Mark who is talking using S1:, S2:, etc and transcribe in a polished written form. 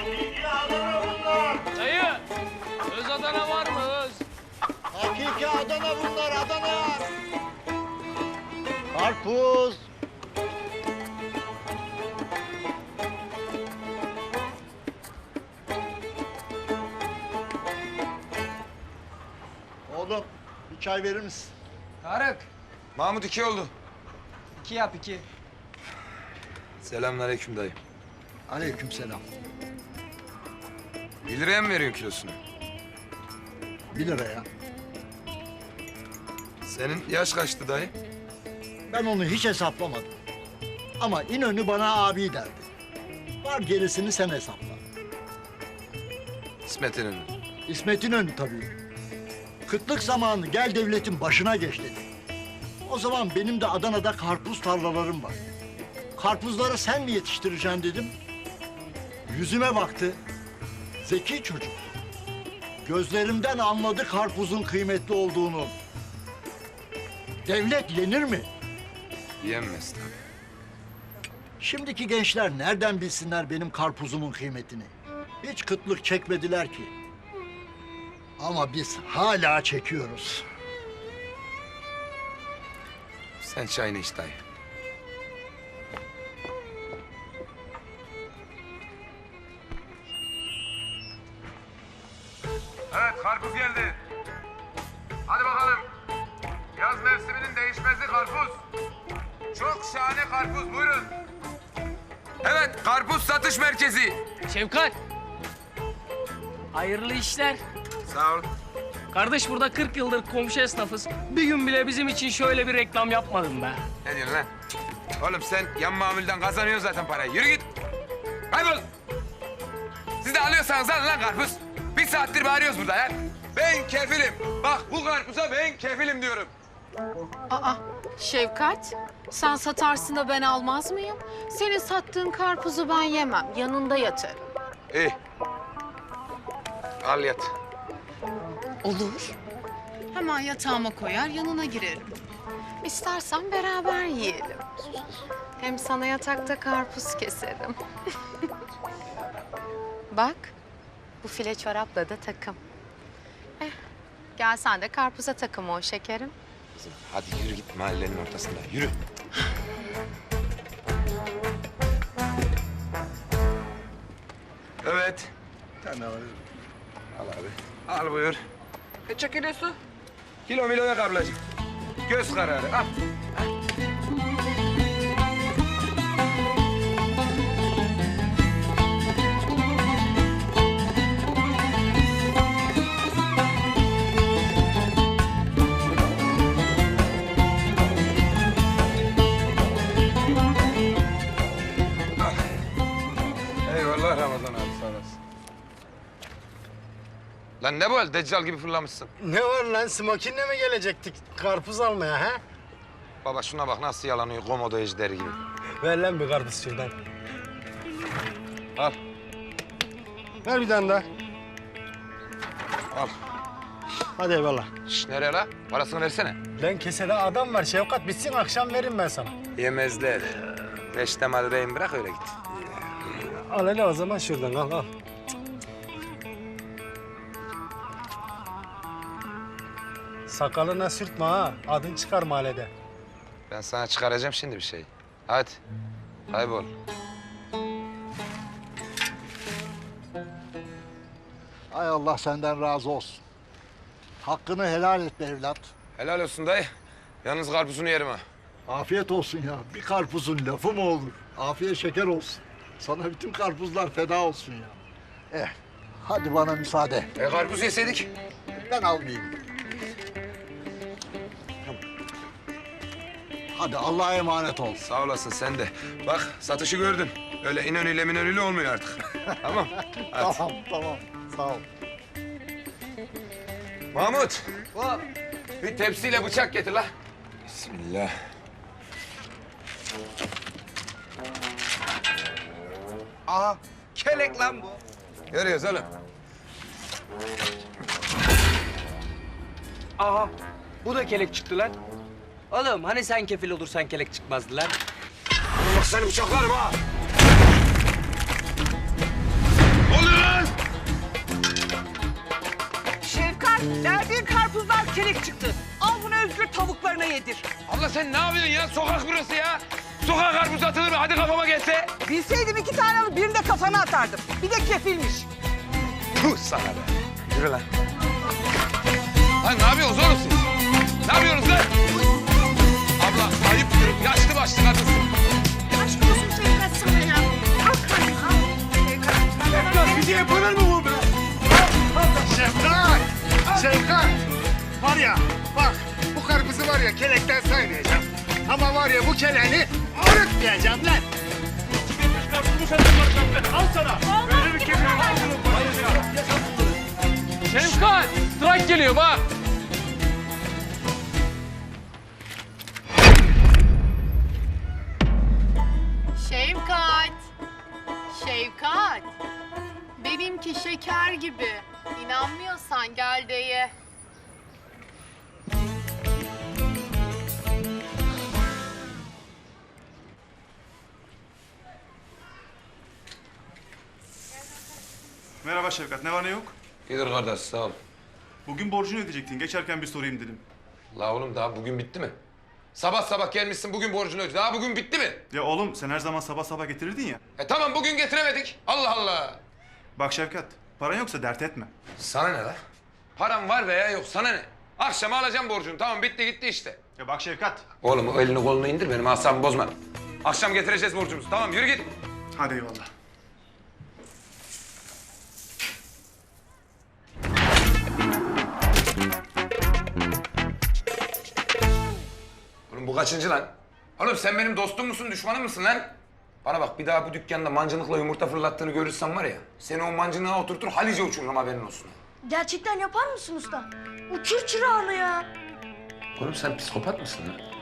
S1: Hakiki Adana bunlar.
S2: Dayı, öz Adana var mı öz?
S1: Hakiki Adana bunlar, Adana. Karpuz. Oğlum, bir çay verir misin?
S3: Tarık,
S4: Mahmut 2 oldu.
S3: 2 yap 2.
S4: Selamünaleyküm dayı.
S1: Aleykümselam.
S4: 1 liraya mı veriyorsun kilosunu?
S1: 1 liraya.
S4: Senin yaş kaçtı dayı?
S1: Ben onu hiç hesaplamadım. Ama İnönü bana abi derdi. Var gerisini sen hesapla.
S4: İsmet İnönü.
S1: İsmet İnönü tabii. Kıtlık zamanı gel devletin başına geç dedi. O zaman benim de Adana'da karpuz tarlalarım var. Karpuzları sen mi yetiştireceksin dedim. Yüzüme baktı. Zeki çocuk. Gözlerimden anladı karpuzun kıymetli olduğunu. Devlet yenir mi?
S4: Yenmez tabii.
S1: Şimdiki gençler nereden bilsinler benim karpuzumun kıymetini? Hiç kıtlık çekmediler ki. Ama biz hala çekiyoruz.
S4: Sen çayını iç dayı.
S5: Evet, karpuz geldi. Hadi bakalım. Yaz mevsiminin değişmezi karpuz. Çok şahane karpuz, buyurun.
S4: Evet, karpuz satış merkezi.
S2: Şevkat. Hayırlı işler.
S4: Sağ ol.
S2: Kardeş burada 40 yıldır komşu esnafız. Bir gün bile bizim için şöyle bir reklam yapmadın be.
S4: Ne diyorsun lan? Oğlum sen yan mamulden kazanıyorsun zaten parayı. Yürü git. Kaybol. Siz de alıyorsanız alın lan karpuz. 1 saattir bağırıyoruz burada ya. Ben kefilim. Bak bu karpuza ben kefilim diyorum.
S6: Aa, Şevkat, sen satarsın da ben almaz mıyım? Senin sattığın karpuzu ben yemem, yanında yatarım.
S4: İyi. Al yat.
S6: Olur. Hemen yatağıma koyar, yanına girerim. İstersen beraber yiyelim. Hem sana yatakta karpuz keserim. Bak, bu file çorapla da takım. Gel sen de karpuza takım ol şekerim.
S4: Hadi yürü git mahallenin ortasında. Yürü. Evet.
S1: Tane alayım.
S4: Al abi. Al buyur.
S3: Kaça kilosu?
S4: Kilo milo yok ablacığım. Göz kararı. Al. Eyvallah Ramazan abi sağ olasın. Lan ne bu hal? Deccal gibi fırlamışsın.
S7: Ne var lan? Smokin'le mi gelecektik karpuz almaya ha?
S4: Baba şuna bak nasıl yalanıyor komodo ejderi gibi.
S7: Ver lan bir karpuz şuradan.
S4: Al.
S7: Ver bir tane daha.
S4: Al.
S7: Hadi eyvallah.
S4: Şş, nereye la? Parasını versene.
S7: Lan kesede adam var Şevkat. Bitsin akşam veririm ben sana.
S4: Yemezler. Beştemal rehin bırak öyle git.
S7: Al hele o zaman şuradan al al. Sakalına sürtme ha. Adın çıkar mahallede.
S4: Ben sana çıkaracağım şimdi bir şey. Hadi. Kaybol.
S1: Ay Allah senden razı olsun. Hakkını helal et be evlat.
S4: Helal olsun dayı. Yalnız karpuzunu yerim ha.
S1: Afiyet olsun ya. Bir karpuzun lafı mı olur? Afiyet şeker olsun. Sana bütün karpuzlar feda olsun ya. Hadi bana müsaade.
S4: Karpuz yeseydik.
S1: Ben almayayım. Hadi Allah'a emanet ol.
S4: Sağ olasın sen de. Bak satışı gördün. Öyle İnönü'yle minönü'yle olmuyor artık. Tamam. Hadi.
S1: Tamam, tamam. Sağ ol.
S4: Mahmut. Bir tepsiyle bıçak getir la. Bismillah.
S3: Aha, kelek lan bu.
S4: Görüyoruz oğlum.
S3: Aha, bu da kelek çıktı lan. Oğlum hani sen kefil olursan kelek çıkmazdı lan.
S4: Bak seni bıçaklarım ha.
S8: yedir.
S4: Abla sen ne yapıyorsun ya? Sokak burası ya. Sokağa karpuz atılır mı? Hadi kafama gelse.
S8: Bilseydim 2 tane alıp birini de kafana atardım. Bir de kefilmiş.
S4: Puh sana be. Yürü lan. Lan ne yapıyorsunuz oğlum siz? Ne yapıyorsunuz lan? Abla ayıptır. Yaşlı başlı kadınsın.
S8: Aşk olsun Şevkat sana ya. Al karnını.
S7: Şevkat bize yapılır mı bu be? Şevkat! Şevkat! Var ya bak bu karpuzu var ya kelekten saymayacağım. Ama var ya bu keleğini arıtmayacağım lan. Al sana. Böyle bir keleği
S2: Şevkat, trak geliyor bak.
S6: Şevkat. Şevkat. Benimki şeker gibi. İnanmıyorsan gel de ye.
S9: Merhaba Şevkat, ne var ne yok?
S4: İyidir kardeş sağ ol.
S9: Bugün borcunu ödeyecektin, geçerken bir sorayım dedim.
S4: La oğlum daha bugün bitti mi? Sabah sabah gelmişsin bugün borcunu öde. Daha bugün bitti mi?
S9: Ya oğlum sen her zaman sabah sabah getirirdin ya.
S4: Tamam bugün getiremedik. Allah Allah.
S9: Bak Şevkat, paran yoksa dert etme.
S4: Sana ne la? Param var veya yok sana ne? Akşama alacağım borcunu. Tamam bitti gitti işte.
S9: Ya bak Şevkat.
S4: Oğlum o elini kolunu indir benim asabımı bozma. Akşam getireceğiz borcumuzu. Tamam yürü git.
S9: Hadi eyvallah.
S4: Oğlum bu kaçıncı lan? Oğlum sen benim dostum musun, düşmanım mısın lan? Bana bak bir daha bu dükkanda mancınıkla yumurta fırlattığını görürsem var ya... ...seni o mancınığa oturtur Halice uçururum haberin olsun.
S10: Gerçekten yapar mısın usta? Uçur çırağını ya.
S4: Oğlum sen psikopat mısın lan?